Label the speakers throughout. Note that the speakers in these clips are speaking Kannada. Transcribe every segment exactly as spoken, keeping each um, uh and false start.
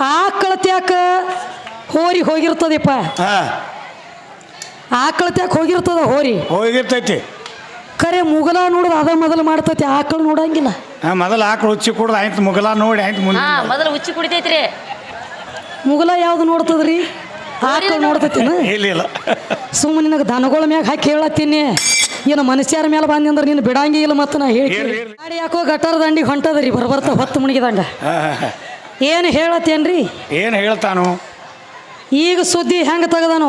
Speaker 1: ಆಕಳತ್ಯಾಕ ಹೋರಿ ಹೋಗಿರ್ತದಪ್ಪ.
Speaker 2: ಹಾ
Speaker 1: ಆಕಳತ್ಯಾಕ ಹೋಗಿರ್ತದ ಹೋರಿ
Speaker 2: ಹೋಗಿರ್ತೈತಿ.
Speaker 1: ಖರೆ ಮುಗಲ ನೋಡುದು ಅದ ಮೊದಲು ಮಾಡ್ತೈತಿ, ಆಕಳು ನೋಡಂಗಿಲ್ಲ.
Speaker 2: ಹಾ ಮೊದಲು ಆಕಳು ಹುಚ್ಚಿ ಕುಡ್ದು ಆಯ್ತು ಮುಗಲ ನೋಡಿ ಆಯ್ತು ಮುಂದೆ
Speaker 3: ಮೊದಲು ಹುಚ್ಚಿ ಕುಡಿತೈತ್ರಿ.
Speaker 1: ಮುಗಲ ಯಾವ್ದು ನೋಡ್ತದ್ರಿ? ಆಕಳು ನೋಡ್ತೈತಿನ?
Speaker 2: ಇಲ್ಲ ಇಲ್ಲ
Speaker 1: ಸುಮ್ಮನೆ ನಿನಗೆ ದನಗಳ ಮ್ಯಾಗ ಹಾಕಿ ಹೇಳತ್ತೀನಿ, ಏನು ಮನುಷ್ಯರ ಮೇಲೆ ಬಂದಿ ಅಂದ್ರೆ ನೀನು ಬಿಡಂಗಿ ಇಲ್ಲ. ಮತ್ತು ನಾ ಹೇಳಿ ಗಾಡಿ ಯಾಕೋ ಗಟಾರ ದಂಡಿಗೆ ಹೊಂಟದ್ರಿ ಬರ್ಬರ್ತ ಹೊತ್ತು ಮುಣಗಿದಂಗ. ಏನು ಹೇಳತ್ತೇನ್ರಿ?
Speaker 2: ಏನು ಹೇಳ್ತಾನು
Speaker 1: ಈಗ ಸುದ್ದಿ ಹೆಂಗೆ ತೆಗದಾನು?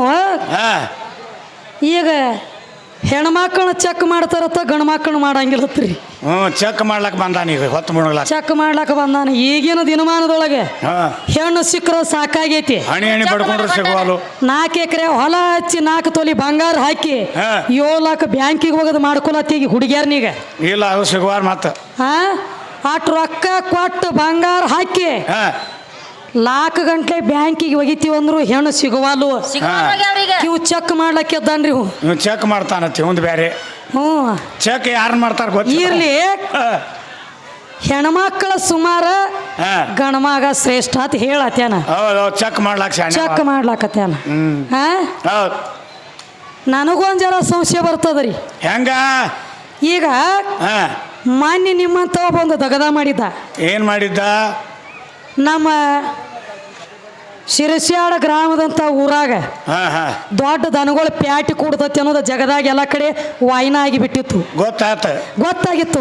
Speaker 1: ಈಗ ಹೆಣ್ಮಕ್ಳನ್ನ ಚೆಕ್ ಮಾಡ್ತಾರತ್ತ, ಗಂಡು ಮಕ್ಕಳನ್ನ ಮಾಡಂಗಿಲ್ಲತ್ರಿ.
Speaker 2: ಹ್ಞೂ ಚೆಕ್ ಮಾಡ್ಲಕ್ ಬಂದಾನ ಈಗ ಹೊತ್ತು ಮುಣಗ್ಲ
Speaker 1: ಚೆಕ್ ಮಾಡ್ಲಕ್ಕ ಬಂದಾನ. ಈಗಿನ ದಿನಮಾನದೊಳಗೆ ಹೆಣ್ಣು ಸಿಕ್ಕರ ಸಾಕಾಗೈತಿ.
Speaker 2: ಹಣಿ ಹಣಿ ಪಡ್ಕೊಂಡ್ರೆ ಸಿಗುವಲು.
Speaker 1: ನಾಲ್ಕು ಎಕರೆ ಹೊಲ ಹಚ್ಚಿ ನಾಲ್ಕು ತೊಲಿ ಬಂಗಾರ ಹಾಕಿ ಏಳು ಲಕ್ಷ ಬ್ಯಾಂಕಿಗೆ ಹೋಗೋದು ಮಾಡ್ಕೊಳತ್ತೀಗ ಹುಡುಗಿಯರ್ನೀಗ.
Speaker 2: ಇಲ್ಲ ಅದು ಸಿಗುವಾರ ಮತ್ತ
Speaker 1: ಹಾ ಅಷ್ಟು ರೊಕ್ಕ ಕೊಟ್ಟು ಬಂಗಾರ ಹಾಕಿ ಲಾಕ್ ಗಂಟ್ಲೆ ಬ್ಯಾಂಕಿಗೆ ಒಗಿತೀವಿ ಅಂದ್ರು ಹೆಣ್ಣು ಸಿಗುವಲು. ಇವು ಚೆಕ್ ಮಾಡ್ಲಕ್ಕೆ ಎದ್ದಾನ್ರಿ.
Speaker 2: ನೀವು ಚೆಕ್ ಮಾಡ್ತಾನತ್ತಿ ಒಂದು ಬೇರೆ.
Speaker 1: ಹ್ಞೂ
Speaker 2: ಚೆಕ್ ಯಾರನ್ನ ಮಾಡ್ತಾರ ಗೊತ್ತಿಲ್ಲ.
Speaker 1: ಇರ್ಲಿ, ಹೆಣ್ಮಕ್ಳ ಸುಮಾರ ಗಣಮಗ ಶ್ರೇಷ್ಠ ಅಂತ ಹೇಳತ್ತೇನ.
Speaker 2: ಚೆಕ್ ಮಾಡ್ಲಾಕ
Speaker 1: ಚೆಕ್ ಮಾಡ್ಲಾಕತ್ತೇನ. ಹಾ ನನಗೊಂದು ಜರ ಸಂಶಯ ಬರ್ತದ್ರಿ.
Speaker 2: ಹೆಂಗ
Speaker 1: ಈಗ ಮಾನ್ಯ ನಿಮ್ಮಂತ ಒಂದು ದಗದ ಮಾಡಿದ್ದ.
Speaker 2: ಏನ್ ಮಾಡಿದ್ದ?
Speaker 1: ನಮ್ಮ ಶಿರಸ್ಯಾಡ ಗ್ರಾಮದಂತ ಊರಾಗ ದೊಡ್ಡ ದನಗಳು ಪ್ಯಾಟಿ ಕೂಡ್ತತಿ ಅನ್ನೋದು ಜಗದಾಗ ಎಲ್ಲ ಕಡೆ ವಾಯಿನ ಆಗಿಬಿಟ್ಟಿತ್ತು.
Speaker 2: ಗೊತ್ತಾತ
Speaker 1: ಗೊತ್ತಾಗಿತ್ತು.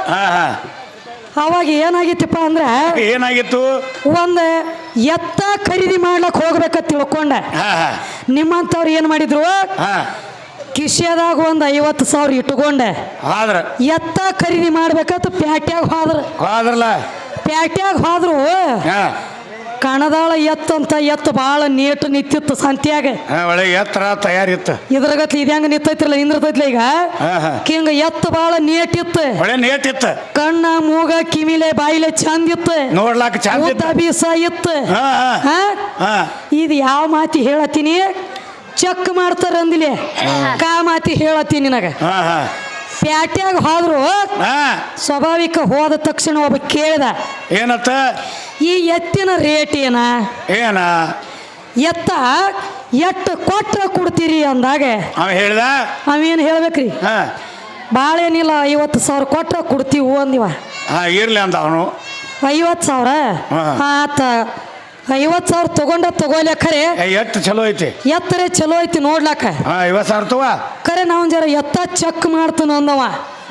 Speaker 1: ಅವಾಗ ಏನಾಗಿತ್ತಪ್ಪ ಅಂದ್ರ
Speaker 2: ಏನಾಗಿತ್ತು?
Speaker 1: ಒಂದ್ ಎತ್ತ ಖರೀದಿ ಮಾಡ್ಲಕ್ ಹೋಗ್ಬೇಕಂತ ತಿಳ್ಕೊಂಡ ನಿಮ್ಮಂತವ್ರು ಏನ್ ಮಾಡಿದ್ರು, ಕಿಶೆದಾಗ ಒಂದ್ ಐವತ್ತು ಸಾವಿರ ಇಟ್ಕೊಂಡೆ ಎತ್ತ ಖರೀದಿ ಮಾಡ್ಬೇಕಂತ ಪ್ಯಾಟ್ಯಾಗ ಹೋದ್ರ
Speaker 2: ಹೋದ್ರಲ್ಲ
Speaker 1: ಪ್ಯಾಟ್ಯಾಗ ಹೋದ್ರು. ಕಣದಾಳ ಎತ್ತು ಅಂತ ಎತ್ತು ಭಾಳ ನೀಟ್ ನಿಂತಿತ್ತು ಸಂತ್ಯಾಗ.
Speaker 2: ಒಳ್ಳೆ ಎತ್ತರ ತಯಾರಿತ್ತು.
Speaker 1: ಇದ್ರಾಗತ್ಲಿ ಇದ್ಯಾಂಗ ನಿಂತೈತಿರಲ್ಲ ನಿಂದಿರ್ತೈತ್ಲ ಈಗ ಹಿಂಗ ಎತ್ತು ಭಾಳ ನೀಟ್ ಇತ್ತು.
Speaker 2: ಒಳ್ಳೆ ನೀಟ್ ಇತ್ತು.
Speaker 1: ಕಣ್ಣ ಮೂಗ ಕಿವಿಲೆ ಬಾಯಿಲೆ ಚಂದ ಇತ್ತು.
Speaker 2: ನೋಡ್ಲಾಕ ಚಂದ
Speaker 1: ಬೀಸ ಇತ್ತು. ಇದು ಯಾವ ಮಾತಿ ಹೇಳತ್ತೀನಿ, ಚೆಕ್ ಮಾಡ್ತಾರ ಅಂದಿಲೆ ಕಾ ಮಾತಿ ಹೇಳತ್ತೀನಿ ನಿನಗ. ಪ್ಯಾಟ್ಯಾಗ ಹೋದ್ರು ಸ್ವಾಭಾವಿಕ ಹೋದ ತಕ್ಷಣ ಒಬ್ಬ ಕೇಳ್ದ,
Speaker 2: ಏನತ್ತ?
Speaker 1: ಈ ಎತ್ತಿನ ರೇಟ್ ಏನ?
Speaker 2: ಏನ
Speaker 1: ಎತ್ತ ಎಟ್ಟು ಕೊಟ್ರ ಕೊಡ್ತೀರಿ ಅಂದಾಗ
Speaker 2: ಅವ ಹೇಳ್ದ,
Speaker 1: ಅವೇನು ಹೇಳ್ಬೇಕ್ರಿ, ಭಾಳ ಏನಿಲ್ಲ ಐವತ್ತು ಸಾವಿರ ಕೊಟ್ರ ಕೊಡ್ತೀವಿ ಅಂದಿವ.
Speaker 2: ಇರ್ಲಿ ಅಂದ ಅವನು.
Speaker 1: ಐವತ್ತು ಸಾವಿರ ಆತ ಐವತ್ತು ಸಾವಿರ ತಗೊಂಡ ತಗೋಲೆ ಖರೆ
Speaker 2: ಎತ್ತು ಚಲೋ ಐತಿ,
Speaker 1: ಎತ್ತರೆ ಚಲೋ ಐತಿ ನೋಡ್ಲಾಕ.
Speaker 2: ಐವತ್ತು ಸಾವಿರ ತಗೋ
Speaker 1: ಖರೆ ನಾವು ಜರ ಎತ್ತ ಚೆಕ್ ಮಾಡ್ತಾನ ಅಂದವ.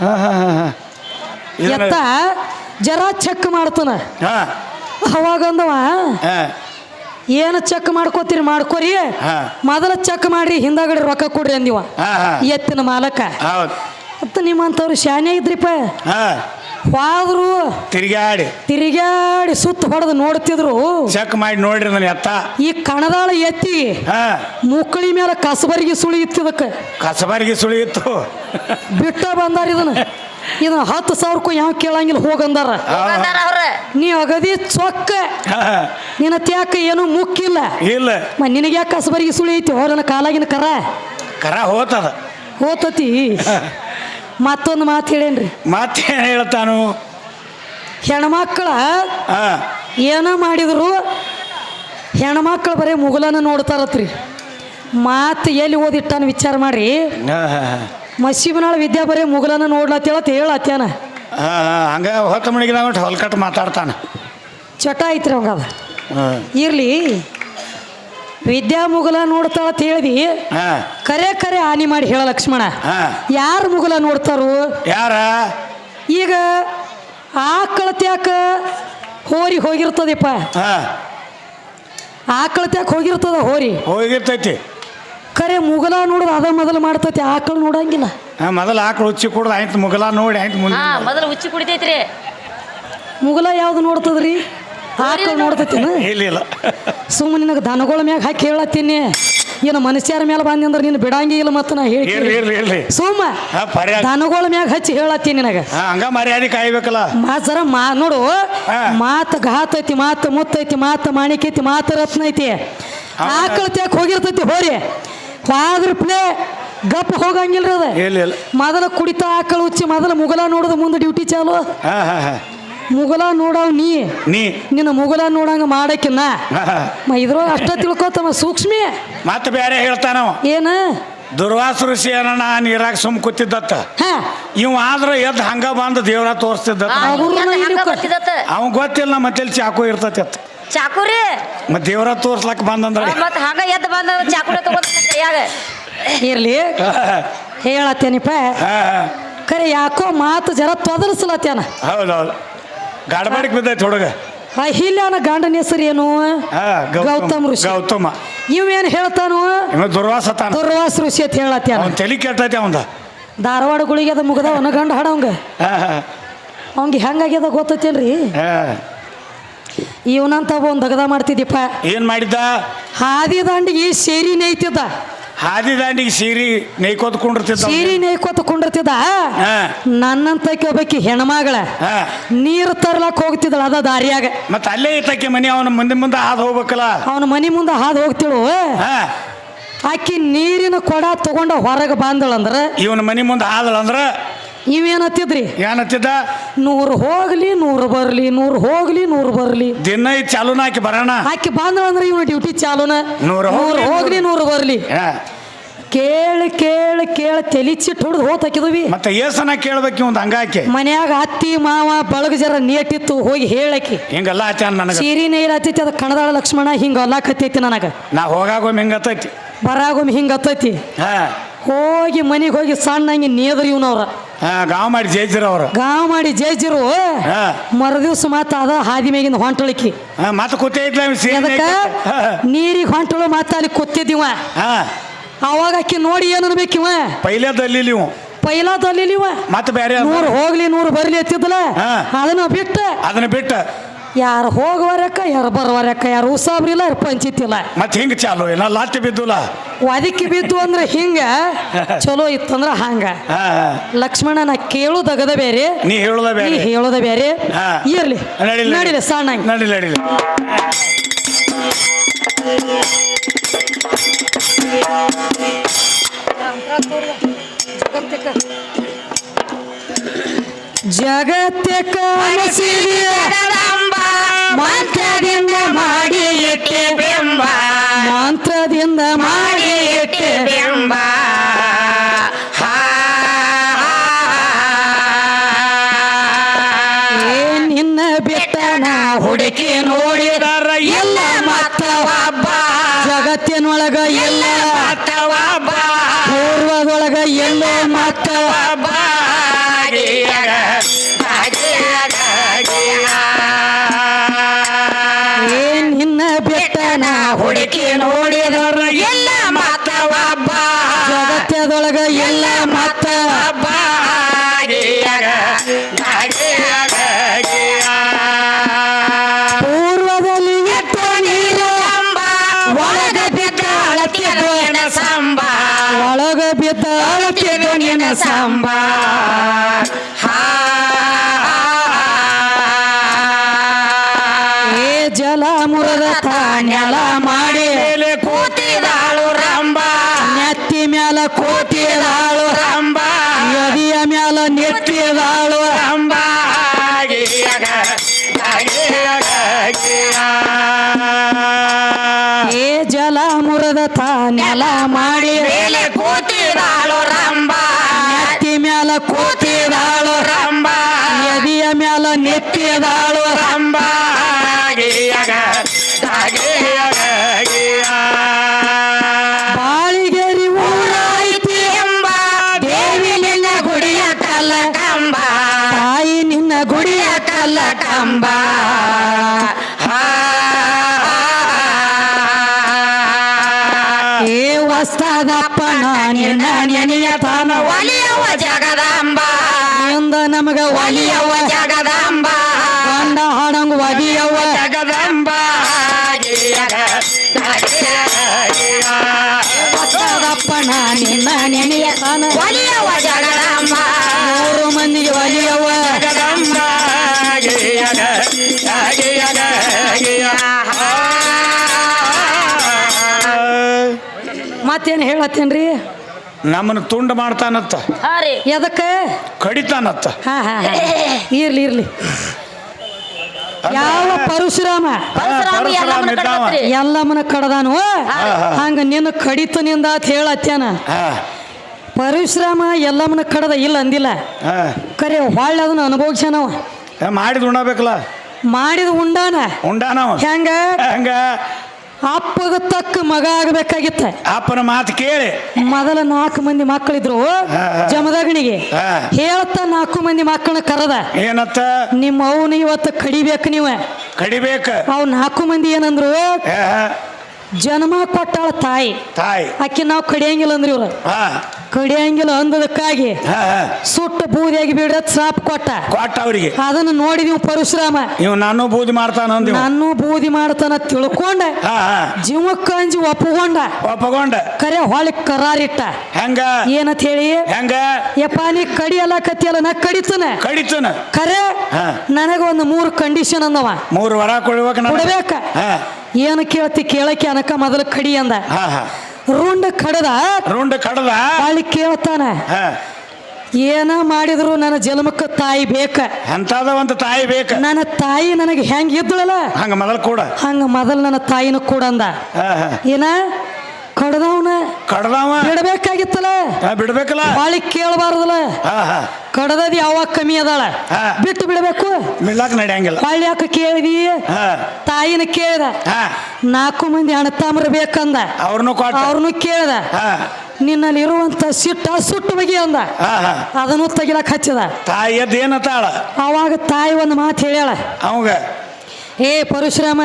Speaker 1: ಎತ್ತ ಜರ ಚೆಕ್ ಮಾಡ್ತಾನ. ಅವಾಗ ಅಂದವ, ಏನು ಚೆಕ್ ಮಾಡ್ಕೋತೀರಿ ಮಾಡ್ಕೋರಿ, ಮೊದಲ ಚೆಕ್ ಮಾಡ್ರಿ ಹಿಂದಾಗಡೆ ರೊಕ್ಕ ಕೊಡ್ರಿ ಅಂದಿವ ಎತ್ತಿನ ಮಾಲಕ. ಮತ್ತ ನಿಮ್ಮಂತವ್ರು ಶಾನೆ ಇದ್ರಿಪ್ಪ. ಹೋದ್ರು
Speaker 2: ತಿರ್ಗಾಡಿ
Speaker 1: ತಿರುಗಾಡಿ ಸುತ್ತ ಹೊಡೆದು ನೋಡ್ತಿದ್ರು.
Speaker 2: ಚೆಕ್ ಮಾಡಿ ನೋಡ್ರಿ ನನ್ನ ಎತ್ತ. ಈ
Speaker 1: ಕಣದಾಳ ಎತ್ತಿ ಮುಕ್ಕಳಿ ಮೇಲೆ ಕಸಬರಿಗೆ ಸುಳಿ ಇತ್ತಿದಕ್ಕ.
Speaker 2: ಕಸಬರಿಗೆ ಸುಳಿ ಇತ್ತು
Speaker 1: ಬಿಟ್ಟ ಬಂದಾರ ಇದನ್ನ. ಇದನ್ನ ಹತ್ತು ಸಾವಿರಕ್ಕೂ ಯಾವ ಕೇಳಂಗಿಲ್ಲ ಹೋಗಂದಾರ. ನೀ ಅಗದಿ ಚೊಕ್ಕ ನಿನ್ನ ತ್ಯಾಕ ಏನು ಮುಕ್ಕಿಲ್ಲ
Speaker 2: ಇಲ್ಲ.
Speaker 1: ನಿನಗೆ ಯಾಕೆ ಕಸಬರಿಗೆ ಸುಳಿ ಐತಿ? ಹೋರನ ಕಾಲಾಗಿನ ಕರ
Speaker 2: ಕರ ಹೋತದ
Speaker 1: ಹೋತತಿ. ಮತ್ತೊಂದು ಮಾತು ಹೇಳೇನ್ರಿ.
Speaker 2: ಮತ್ತೇನು ಹೇಳ್ತಾನು?
Speaker 1: ಹೆಣ್ಮಕ್ಳ ಏನ ಮಾಡಿದ್ರು ಹೆಣ್ಮಕ್ಳು ಬರೀ ಮುಗುಲನ ನೋಡ್ತಾರತ್ರಿ. ಮಾತು ಎಲ್ಲಿ ಓದಿಟ್ಟಾನ ವಿಚಾರ ಮಾಡ್ರಿ. ಮಸೀಬನಾಳ ವಿದ್ಯಾ ಬರೀ ಮುಗುಲನ ನೋಡ್ಲತ್ತೇಳತ್ ಹೇಳತ್ತೇನ.
Speaker 2: ಹಂಗ ಹೊತ್ತ ಮಣಿಗೆ ನಾವು ಹೊಲ್ಕಟ್ಟು ಮಾತಾಡ್ತಾನ.
Speaker 1: ಚಟ ಐತ್ರಿ ಅವಂಗ. ಅದ ಇರ್ಲಿ, ವಿದ್ಯಾ ಮುಗುಲ ನೋಡ್ತಾಳತ್ ಹೇಳ್ದಿ. ಕರೆ ಕರೆ ಹಾನಿ ಮಾಡಿ ಹೇಳ ಲಕ್ಷ್ಮಣ, ಯಾರು ಮುಗುಲ ನೋಡ್ತಾರು?
Speaker 2: ಯಾರ?
Speaker 1: ಈಗ ಆಕಳತ್ಯಾಕ ಹೋರಿ ಹೋಗಿರ್ತದಪ್ಪ. ಆಕಳತ್ಯಾಕ ಹೋಗಿರ್ತದ ಹೋರಿ
Speaker 2: ಹೋಗಿರ್ತೈತಿ.
Speaker 1: ಕರೆ ಮುಗುಲ ನೋಡುದು ಅದ ಮೊದಲು ಮಾಡ್ತೈತಿ, ಆಕಳು ನೋಡಂಗಿಲ್ಲ.
Speaker 2: ಮೊದಲು ಆಕಳು ಹುಚ್ಚಿ ಕುಡ್ದು ಆಯ್ತು ಮುಗುಲ ನೋಡಿ ಆಯ್ತು ಮುಂದೆ
Speaker 3: ಮೊದಲು ಹುಚ್ಚಿ ಕುಡಿತೈತ್ರಿ.
Speaker 1: ಮುಗುಲ ಯಾವ್ದು ನೋಡ್ತದ್ರಿ? ಆಕಳು ನೋಡ್ತೈತಿನ?
Speaker 2: ಇಲ್ಲ.
Speaker 1: ಸುಮ್ಮನೆ ನಿನಗೆ ದನಗಳ ಮ್ಯಾಗ ಹಾಕಿ ಹೇಳತ್ತೀನಿ, ಏನು ಮನುಷ್ಯರ ಮೇಲೆ ಬಂದಿ ಅಂದ್ರೆ ನೀನು ಬಿಡಂಗಿ ಇಲ್ಲ. ಮತ್ತು ನಾ ಹೇಳಿ ಸುಮ್ಮ ದನಗಳ ಮ್ಯಾಗ ಹಚ್ಚಿ ಹೇಳತ್ತೀನಿ ನಿನಗ.
Speaker 2: ಹಂಗ ಮರ್ಯಾದೆ ಕಾಯ್ಬೇಕಲ್ಲ.
Speaker 1: ಮಾತ್ರ ಮಾ ನೋಡು, ಮಾತು ಘಾತ ಐತಿ, ಮಾತು ಮುತ್ತೈತಿ, ಮಾತು ಮಾಣಿಕ ಐತಿ, ಮಾತು ರತ್ನ ಐತಿ. ಆಕಳ ತ್ಯಾಕ ಹೋಗಿರ್ತೈತಿ ಹೋರಿ. ಹೋದ್ರ ಪ್ಲೇ ಗಪ್ ಹೋಗಂಗಿಲ್ರಿ. ಅದ ಮೊದಲ ಕುಡಿತ ಆಕಳ ಹುಚ್ಚಿ ಮೊದಲ ಮುಗಲ ನೋಡೋದು ಮುಂದೆ ಡ್ಯೂಟಿ ಚಾಲು. ಮುಗಲ ನೋಡವ್ ನೀ
Speaker 2: ನೀ
Speaker 1: ನಿನ್ನ ಮುಗಲ ನೋಡಂಗ ಮಾಡಕ್ಕಿನ್ನ
Speaker 2: ಹಾ.
Speaker 1: ಇದ್ರೊಳಗೆ ಅಷ್ಟ ತಿಳ್ಕೊತಮ್ಮ ಸೂಕ್ಷ್ಮಿ
Speaker 2: ಮತ್ತೆ ಬೇರೆ ಹೇಳ್ತಾನವ
Speaker 1: ಏನ
Speaker 2: ದುರ್ವಾಸ ಋಷಿ ಅನ್ನ ನೀರಾಗ ಸುಮ್ ಕೂತಿದ್ದತ್ತ
Speaker 1: ಹಾ
Speaker 2: ಇವ್ ಆದ್ರ ಎದ್ದು ಹಂಗ ಬಂದು ದೇವ್ರ ತೋರಿಸ್ತಿದ್ದ ಅವ್ ಗೊತ್ತಿಲ್ಲ ಮತ್ತೆ ಚಾಕು ಇರ್ತತಿ ಅತ್ತ
Speaker 3: ಚಾಕುರಿ
Speaker 2: ಮತ್ ದೇವ್ರ ತೋರ್ಸ್ಲಕ್ ಬಂದಂದ್ರ
Speaker 3: ಮತ್ತ ಹಂಗ ಎದ್ದು ಬಂದ ಚಾಕುರಿ ತಗೊಂಡ್ ಕೈಯಾಗ
Speaker 1: ಇರ್ಲಿ ಹೇಳತ್ತೇನಿಪ್ಪ ಖರೆ ಯಾಕೋ ಮಾತು ಜರ ತೊದಲಿಸ್ಲತ್ತೇನ
Speaker 2: ಹೌದೌದು ಗಾಡಬಾಡಿಗೆ ಬಿದ್ದೈತಿ ಹುಡುಗ
Speaker 1: ಅಹಿಲ್ಯನ ಗಂಡನ ಹೆಸರು ಏನು
Speaker 2: ಹಾ,
Speaker 1: ಗೌತಮ್ ಋಷಿ
Speaker 2: ಗೌತಮ
Speaker 1: ಇವೇನ್ ಹೇಳ್ತಾನು
Speaker 2: ಇವ ದುರ್ವಾಸ ತಾನ
Speaker 1: ದುರ್ವಾಸ ಋಷಿ ಅಂತ ಹೇಳತ್ತೇನ
Speaker 2: ಅವ್ನ್ ತಲಿ ಕೆಟ್ಟೈತಿ ಅವಂದ
Speaker 1: ಧಾರವಾಡ ಗುಳಿಗೆ ಅದ ಮುಗದವನ ಗಂಡ ಹಾಡವಂಗ
Speaker 2: ಹಾ, ಹಾ,
Speaker 1: ಅವಂಗ ಹೆಂಗಾಗ್ಯದ ಗೊತ್ತೈತೇನ್ರಿ
Speaker 2: ಹಾ.
Speaker 1: ಇವನಂತ ಒಂದ್ ದಗದ ಮಾಡ್ತಿದ್ದಿಪ್ಪ
Speaker 2: ಏನ್ ಮಾಡಿದ್ದ
Speaker 1: ಹಾದಿ ದಾಂಡಿಗೆ ಸೇರಿ ನೇಯ್ತಿದ್ದ
Speaker 2: ಹಾದಿ ದಾಂಡಿಗೆ ಸೀರಿ ನೇಯ್ಕೋತ ಕುಂಡಿರ್ತಿದ್ದ ಅವ್ನು.
Speaker 1: ಸೀರಿ ನೇಯ್ಕೋತ ಕುಂಡಿರ್ತಿದ್ದ
Speaker 2: ಹಾ,
Speaker 1: ನನ್ನಂತ ಒಬ್ಬಾಕಿ ಹೆಣ್ಮಗಳ
Speaker 2: ಹಾ.
Speaker 1: ನೀರು ತರ್ಲಕ್ ಹೋಗ್ತಿದ್ದಳ ಅದ ದಾರಿಯಾಗ
Speaker 2: ಮತ್ತ ಅಲ್ಲೇ ಐತಕ್ಕೆ ಮನಿ ಅವನ ಮುಂದೆ ಮುಂದೆ ಹಾದು ಹೋಗ್ಬೇಕಲ್ಲ
Speaker 1: ಅವನ ಮನಿ ಮುಂದೆ ಹಾದು ಹೋಗ್ತಿಳು
Speaker 2: ಹಾ
Speaker 1: ಆಕಿ ನೀರಿನ ಕೊಡ ತಗೊಂಡ ಹೊರಗೆ ಬಂದಳಂದ್ರ
Speaker 2: ಇವನ ಮನಿ ಮುಂದೆ ಹಾದಳ ಅಂದ್ರ
Speaker 1: ಇವೇನತ್ತಿದ್ರಿ
Speaker 2: ಏನತ್ತಿದ್ದ
Speaker 1: ನೂರು ಹೋಗ್ಲಿ ನೂರು ಬರ್ಲಿ ನೂರು ಹೋಗ್ಲಿ ನೂರು ಬರ್ಲಿ
Speaker 2: ದಿನ ಐತ್ ಚಾಲೂನ ಹಾಕಿ ಬರೋಣ
Speaker 1: ಆಕಿ ಬಂದಳಂದ್ರ ಇವನ ಡ್ಯೂಟಿ ಚಾಲೂನ
Speaker 2: ನೂರು
Speaker 1: ನೂರು ಹೋಗ್ಲಿ ನೂರು ಬರ್ಲಿ
Speaker 2: ಹಾ.
Speaker 1: ಕೇಳಿ ಕೇಳಿ ಕೇಳಿ ತೆಲಿಚಿಟ್ಟು ಹೊಡೆದು ಹೋತಾಕಿದ್ವಿ
Speaker 2: ಮತ್ತೆ ಏಸನ ಕೇಳ್ಬೇಕು ಒಂದು ಹಂಗಾಕಿ
Speaker 1: ಮನ್ಯಾಗ ಅತ್ತಿ ಮಾವ ಬಳಗ ಜರ ನೇಟಿತ್ತು ಹೋಗಿ ಹೇಳಕಿ
Speaker 2: ಹಿಂಗೆಲ್ಲ ಆಚಾನ ನನಗ
Speaker 1: ಸೀರಿ ನೇಲ್ ಹತ್ತೈತಿ ಅದ ಕಣದಾಳ ಲಕ್ಷ್ಮಣ ಹಿಂಗ ಕತ್ತೈತಿ ನನಗ
Speaker 2: ನಾ ಹೋಗಾಗೊಮ್ಮೆ ಹಿಂಗತ್ತೈತಿ
Speaker 1: ಬರಾಗೊಮ್ಮೆ ಹಿಂಗ ಹತ್ತೈತಿ
Speaker 2: ಹಾ
Speaker 1: ಹೋಗಿ ಮನಿಗೆ ಹೋಗಿ ಸಣ್ಣ ಹಂಗೆ ನೇದ್ರಿ ಇವ್ನವ್ರ
Speaker 2: ಹಾ ಗಾವ್ ಮಾಡಿ ಜೈಜಿರ ಅವ್ರ
Speaker 1: ಗಾವ್ ಮಾಡಿ ಜೈಜಿರು
Speaker 2: ಹಾ
Speaker 1: ಮರದಿವ್ಸ ಮಾತ ಅದ ಹಾದಿ ಮೇಗಿಂದ ಹೊಂಟಳಿಕಿ
Speaker 2: ಹಾ ಮತ್ತೆ ಕೂತೇ ಇದ್ಲ ಇವ್ ಸೀರೆ
Speaker 1: ಅದಕ್ಕ
Speaker 2: ನೇಯ್ಕ- ಹಾ,
Speaker 1: ನೀರಿಗೆ ಹೊಂಟಳು ಮಾತ ಅಲ್ಲಿ ಕೂತಿದ್ದೀವ
Speaker 2: ಹಾ
Speaker 1: ಅವಾಗ ಆಕಿ ನೋಡಿ ಏನ್ ಅನ್ಬೇಕಿವ
Speaker 2: ಪೈಲೇದಲ್ಲಿ ನೀವು
Speaker 1: ಪೈಲಾದಲ್ಲಿ ಇವ
Speaker 2: ಮತ್ತೆ ಬೇರೆ ಅದ.
Speaker 1: ನೂರು ಹೋಗ್ಲಿ ನೂರು ಬರ್ಲಿ ಎತ್ತಿದ್ದಲ್ಲ
Speaker 2: ಹಾ.
Speaker 1: ಅದನ್ನ ಬಿಟ್ಟ
Speaker 2: ಅದನ್ನ ಬಿಟ್ಟ
Speaker 1: ಯಾರು ಹೋಗುವರಕ್ಕ ಯಾರು ಬರುವರಕ್ಕ ಯಾರು ಉಸಾಬ್ರಿಲ್ಲ ಯಾರು ಪಂಚಿತ್ತಿಲ್ಲ
Speaker 2: ಮತ್ತೆ ಹಿಂಗ ಚಾಲು ಏನ ಲಾಟಿ ಬಿದ್ದುಲ್ಲ
Speaker 1: ಒದಕಿ ಬಿದ್ದು ಅಂದ್ರೆ ಹಿಂಗ ಚಲೋ ಇತ್ತಂದ್ರ ಹಂಗ
Speaker 2: ಹಾ ಹಾ.
Speaker 1: ಲಕ್ಷ್ಮಣ ನಾ ಕೇಳುದಗದ ಬೇರೆ
Speaker 2: ನೀ ಹೇಳುದ
Speaker 1: ನೀ
Speaker 2: ಬೇರೆ
Speaker 1: ಹೇಳೋದ ಬೇರೆ
Speaker 2: ಹಾ.
Speaker 1: ಇರ್ಲಿ
Speaker 2: ನಡಿಲಿ
Speaker 1: ನಡಿಲಿ ಸಣ್ಣ
Speaker 2: ನಡಿಲಿ ನಡಿಲಿ
Speaker 1: ಜಗತ್ತಿಕ ಮಂತ್ರದಿಂದ ಮಾಡಿ ಇಟ್ಟೆ ಬೆಂಬ ಮಂತ್ರದಿಂದ ಮಾಡಿ ಇಟ್ಟೆ ಬೆಂಬ ನಿನ್ನ ಬಿಟ್ಟನ ಹುಡುಕಿ ನೋಡಿದರ ಎಲ್ಲ ಮತ್ತವ ಜಗತ್ತಿನೊಳಗ ಎಲ್ಲ ಮತ್ತವ ಪೂರ್ವದೊಳಗ ಎಲ್ಲೋ ಮತ್ತವ ಏನ್ ನಿನ್ನ ಬಿಟ್ಟನ ಹುಡುಕಿ ನೋಡಿದರ ಎಲ್ಲ ಮತ್ತವ ಜಗತ್ತದೊಳಗ ಎಲ್ಲ ಮತ್ತವ ಪೂರ್ವದಲ್ಲಿ ಎತ್ತ ನೀರು ಒಳಗ ಬಿದ್ದ ಅಳತಿದ್ದು ಸಾಂಬ ಒಳಗ ಬಿದ್ದ ಅಳತಿದ್ದು ನಿನ್ನ ಸಾಂಬ ಏ ಜಲ ಮುರದ ತಾಣ್ಯಲ ಮಾಡಿ ಕೂತಿದಾಳು ರಂಬ ನೆತ್ತಿ ಮ್ಯಾಲ ಕೂತಿದಾಳು ರಂಬ ಎದಿಯ ಮ್ಯಾಲ ನೆತ್ತಿದಾಳು ರಂಬ ಏ ಜಲ ಮುರದ ತಾಣ್ಯಲ ಮಾಡಿ ಕೂತಿದಾಳು ರಂಬ ನೆತ್ತಿ ಮ್ಯಾಲ ಕೂತಿದಾಳು ರಂಬ ಎದಿಯ ಮ್ಯಾಲ ನೆತ್ತಿದಾಳು ರಂಬ ಬಾಳಿಗೆರಿ ಊರಾಯ್ತಿ ಎಂಬ ದೇವಿ ನಿನ್ನ ಗುಡಿಯ ಕಲ್ಲ ಕಂಬ ತಾಯಿ ನಿನ್ನ ಗುಡಿಯ ಕಲ್ಲ ಕಂಬ ಏ ವಸ್ತದಪ್ಪನ ನಿನ್ನ ನೆನೆಯ ತಾನ ಒಲಿಯವ ಜಗದಾಂಬ ಎಂದ ನಮಗ ಒಲಿಯವ ಜಗದಾಂಬ ಗಂಡ ಹಾಡಂಗ ಒಲಿಯವ ಜಗದಾಂಬ ವಸ್ತದಪ್ಪನ ನಿನ್ನ ನೆನೆಯ ತಾನ ಒಲಿಯವ ಜಗದಾಂಬ ಮೂರು ಮಂದಿಗೆ ಒಲಿಯವ ಜಗದಾಂಬ ಮತ್ತೇನು ಹೇಳತ್ತೇನ್ರಿ
Speaker 2: ನಮ್ಮನ್ನ ತುಂಡು ಮಾಡ್ತಾನತ್ತ
Speaker 3: ಹಾ ರೀ
Speaker 1: ಎದಕ್ಕೆ
Speaker 2: ಕಡಿತಾನತ್ತ
Speaker 1: ಹಾ ಹಾ ಹಾ. ಇರ್ಲಿ ಇರ್ಲಿ ಯಾವ ಪರಶುರಾಮ
Speaker 3: ಪರಶುರಾಮ ಎಲ್ಲಮ್ಮನ ಕಡದ್ರಿ.
Speaker 1: ಎಲ್ಲಮ್ಮನ ಕಡದಾನು ಹಂಗ ನಿನ್ನ ಕಡಿತನಿಂದ ಅಂತ ಹೇಳತ್ಯಾನ. ಪರಶುರಾಮ ಎಲ್ಲಮ್ಮನ ಕಡದ ಇಲ್ಲ ಅಂದಿಲ್ಲ, ಕರೆ ಹೊಳ್ಳ ಅದನ್ನ ಅನುಭವಿಸ್ಯಾನವ.
Speaker 2: ಮಾಡಿದ್ ಉಣ್ಣಬೇಕಲ್ಲ,
Speaker 1: ಮಾಡಿದ ಉಂಡಾನ
Speaker 2: ಉಂಡಾನವ
Speaker 1: ಹೆಂಗ
Speaker 2: ಹೆಂಗ
Speaker 1: ಅಪ್ಪಗ ತಕ್ಕ ಮಗ ಆಗಬೇಕಾಗಿತ್ತ.
Speaker 2: ಅಪ್ಪನ ಮಾತು ಕೇಳಿ
Speaker 1: ಮೊದಲ ನಾಲ್ಕು ಮಂದಿ ಮಕ್ಕಳಿದ್ರು ಜಮದಗಣಿಗೆ ಹೇಳ್ತ ನಾಲ್ಕು ಮಂದಿ ಮಕ್ಕಳನ್ನ ಕರೆದ,
Speaker 2: ಏನತ್ತ
Speaker 1: ನಿಮ್ಮ ಅವನು ಇವತ್ತು ಕಡಿಬೇಕು ನೀವು.
Speaker 2: ಕಡಿಬೇಕ
Speaker 1: ಅವ್ ನಾಲ್ಕು ಮಂದಿ ಏನಂದ್ರು, ಜನ್ಮ ಕೊಟ್ಟಾಳ ತಾಯಿ,
Speaker 2: ತಾಯಿ
Speaker 1: ಆಕಿ ನಾವು ಕಡಿಯಂಗಿಲ್ಲ ಅಂದ್ರಿ ಇವ್ರು. ಕಡಿಯಂಗಿಲ್ಲ ಅಂದದಕ್ಕಾಗಿ ಸುಟ್ಟ ಬೂದಿಯಾಗಿ ಬಿಡ ಸಾಪ್ ಕೊಟ್ಟ
Speaker 2: ಕೊಟ್ಟ ಅವ್ರಿಗೆ.
Speaker 1: ಅದನ್ನ ನೋಡಿ ನೀವು ಪರಶುರಾಮ
Speaker 2: ಇವ್ ನಾನು ಬೂದಿ ಮಾಡ್ತಾನ
Speaker 1: ನಾನು ಬೂದಿ ಮಾಡ್ತಾನ ತಿಳ್ಕೊಂಡ ಜೀವಕ್ಕ ಅಂಜಿ ಒಪ್ಪಗೊಂಡ
Speaker 2: ಒಪ್ಪಗೊಂಡ
Speaker 1: ಕರೆ ಹೊಳಿ ಕರಾರಿಟ್ಟ.
Speaker 2: ಹೆಂಗ
Speaker 1: ಏನಂತ ಹೇಳಿ,
Speaker 2: ಹೆಂಗ
Speaker 1: ಯಪ್ಪ ನೀ ಕಡಿಯಲ್ಲ ಕತ್ತಿಯಲ್ಲ ನಾ ಕಡಿತನ
Speaker 2: ಕಡಿತನ
Speaker 1: ಕರೆ ನನಗ ಒಂದು ಮೂರು ಕಂಡೀಷನ್ ಅಂದವ.
Speaker 2: ಮೂರು ವರ ಕೊಡ್ಬೇಕ
Speaker 1: ಕೊಡ್ಬೇಕ. ಏನು ಕೇಳ್ತಿ ಕೇಳಕ್ಕೆ ಅನಕ ಮೊದಲು ಕಡಿ ಅಂದ. ರುಂಡ ಕಡದ
Speaker 2: ರುಂಡ ಕಡದ
Speaker 1: ಹೊಳಿ ಕೇಳ್ತಾನ, ಏನ ಮಾಡಿದ್ರು ನನ್ನ ಜನ್ಮಕ್ಕ ತಾಯಿ ಬೇಕ,
Speaker 2: ಅಂತದ ಒಂದು ತಾಯಿ ಬೇಕ.
Speaker 1: ನನ್ನ ತಾಯಿ ನನಗೆ ಹೆಂಗ ಇದ್ದಳಲ್ಲ
Speaker 2: ಹಂಗ ಮೊದಲು ಕೂಡ
Speaker 1: ಹಂಗ ಮೊದಲು ನನ್ನ ತಾಯಿನ ಕೂಡ ಅಂದ. ಏನ ಕಡದವನ
Speaker 2: ಕಡದವ
Speaker 1: ಬಿಡ್ಬೇಕಾಗಿತ್ತಲ್ಲ,
Speaker 2: ಬಿಡ್ಬೇಕಲ್ಲ,
Speaker 1: ಬಾಳಿ ಕೇಳಬಾರ್ದಲ್ಲ. ಕಡದದ್ ಯಾವಾಗ ಕಮ್ಮಿ ಅದಾಳ ಬಿಟ್ಟು ಬಿಡಬೇಕು,
Speaker 2: ಬಿಡ್ಲಾಕ ನಡೆಯಂಗಿಲ್ಲ.
Speaker 1: ಬಾಳಿ ಯಾಕ ಕೇಳಿದಿ, ತಾಯಿನ ಕೇಳ್ದ. ನಾಲ್ಕು ಮಂದಿ ಅಣ್ಣತಾಮ್ರ ಬೇಕಂದ,
Speaker 2: ಅವ್ರನ್ನು
Speaker 1: ಅವ್ರನ್ನು ಕೇಳ್ದ. ನಿನ್ನಲ್ಲಿ ಇರುವಂತ ಸಿಟ್ಟ ಸುಟ್ಟು ಬಗೆ ಅಂದ, ಅದನ್ನು ತೆಗಿಲಕ್ ಹಚ್ಚದ.
Speaker 2: ತಾಯಿ ಎದ್ದು ಏನತ್ತಾಳ,
Speaker 1: ಅವಾಗ ತಾಯಿ ಒಂದು ಮಾತು ಹೇಳ್ಯಾಳ
Speaker 2: ಅವಾಗ,
Speaker 1: ಏ ಪರಶುರಾಮ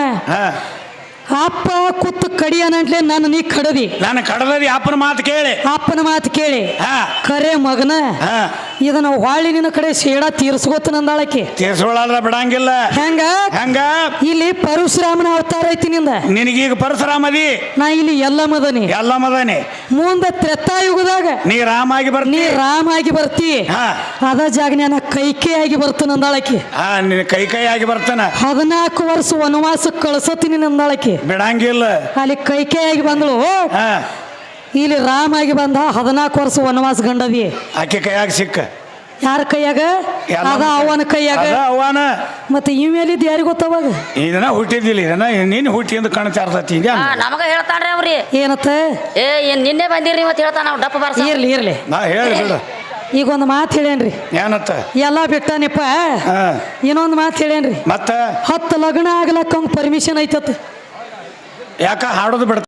Speaker 1: ಅಪ್ಪ ಕುತ್ತು ಕಡಿಯನಂಟ್ಲೆ ನನ್ನ ನೀ ಕಡದಿ,
Speaker 2: ನಾನು ಕಡದಿ ಅಪ್ಪನ ಮಾತು ಕೇಳಿ,
Speaker 1: ಅಪ್ಪನ ಮಾತು ಕೇಳಿ ಕರೆ ಮಗನ ಇದನ್ನ ಹೊಳ್ಳಿ ನಿನ್ನ ಕಡೆ ಶೇಡ ತೀರ್ಸ್ಕೋತ ನಂದಾಳಕ್ಕೆ.
Speaker 2: ತೀರ್ಸ್ಕೊಳ್ಳಾರ ಬಿಡಂಗಿಲ್ಲ. ಹೆಂಗ ಹೆಂಗ
Speaker 1: ಇಲ್ಲಿ ಪರಶುರಾಮನ ಅವತಾರ ಐತಿ ನಿಂದ,
Speaker 2: ನಿನಗೀಗ ಪರಶುರಾಮದಿ,
Speaker 1: ನಾ ಇಲ್ಲಿ ಎಲ್ಲ ಮದನಿ
Speaker 2: ಎಲ್ಲ ಮದನಿ.
Speaker 1: ಮುಂದೆ ತ್ರೇತಾಯುಗದಾಗ
Speaker 2: ನೀ ರಾಮ ಆಗಿ ಬರ್ತಿ,
Speaker 1: ನೀ ರಾಮ ಆಗಿ ಬರ್ತಿ. ಅದ ಜಾಗ ನಾನು ಕೈಕೇ ಆಗಿ ಬರ್ತಾನ ನಂದಾಳಕ್ಕೆ.
Speaker 2: ಹಾ ನಿನ್ ಕೈ ಕೈ ಆಗಿ ಬರ್ತಾನ.
Speaker 1: ಹದಿನಾಲ್ಕು ವರ್ಷ ವನವಾಸ ಕಳ್ಸತೀನಿ ನಂದಾಳಕ್ಕೆ,
Speaker 2: ಬಿಡಂಗಿಲ್ಲ.
Speaker 1: ಅಲ್ಲಿ ಕೈಕೇ ಆಗಿ ಬಂದಳು, ಇಲ್ಲಿ ರಾಮ ಆಗಿ ಬಂದ. ಹದಿನಾಲ್ಕು ವರ್ಷ ವನವಾಸ ಗಂಡದಿ
Speaker 2: ಆಕೆ ಕೈಯಾಗ ಸಿಕ್ಕ.
Speaker 1: ಯಾರ ಕೈಯಾಗ? ಅದ ಅವನ ಕೈಯಾಗ.
Speaker 2: ಅವನ
Speaker 1: ಮತ್ತೆ ಇವ್ ಮೇಲಿದ್ ಯಾರಿಗ ಗೊತ್ತವಾಗ?
Speaker 2: ಇದನ್ನ ಹುಟ್ಟಿದ್ದಿಲ್ಲ, ಇದನ್ನ ನೀನ್ ಹುಟ್ಟಿ ಎಂದು ಕಣ ಚಾರ್ತತಿ.
Speaker 3: ನಮಗ ಹೇಳ್ತಾನ್ರಿ ಅವ್ರಿ
Speaker 1: ಏನತ್ತ,
Speaker 3: ಏ ಏನ್ ನಿನ್ನೆ ಬಂದಿರಿ ಮತ್ತೆ ಹೇಳ್ತಾನ ನಾವು ಡಪ್ಪ ಬಾರ್ಸ.
Speaker 1: ಇರ್ಲಿ ಇರ್ಲಿ,
Speaker 2: ನಾ ಹೇಳಿ ಬಿಡು.
Speaker 1: ಈಗ ಒಂದು ಮಾತು ಹೇಳೇನ್ರಿ,
Speaker 2: ಏನತ್ತ
Speaker 1: ಎಲ್ಲಾ ಬಿಟ್ಟಾನಿಪ್ಪ. ಇನ್ನೊಂದು ಮಾತು ಹೇಳೇನ್ರಿ,
Speaker 2: ಮತ್ತ
Speaker 1: ಹತ್ತು ಲಗ್ನ ಆಗ್ಲಕ್ಕ ಪರ್ಮಿಷನ್ ಐತತ್.
Speaker 2: ಯಾಕ ಹಾಡೋದು ಬಿಡ್ತ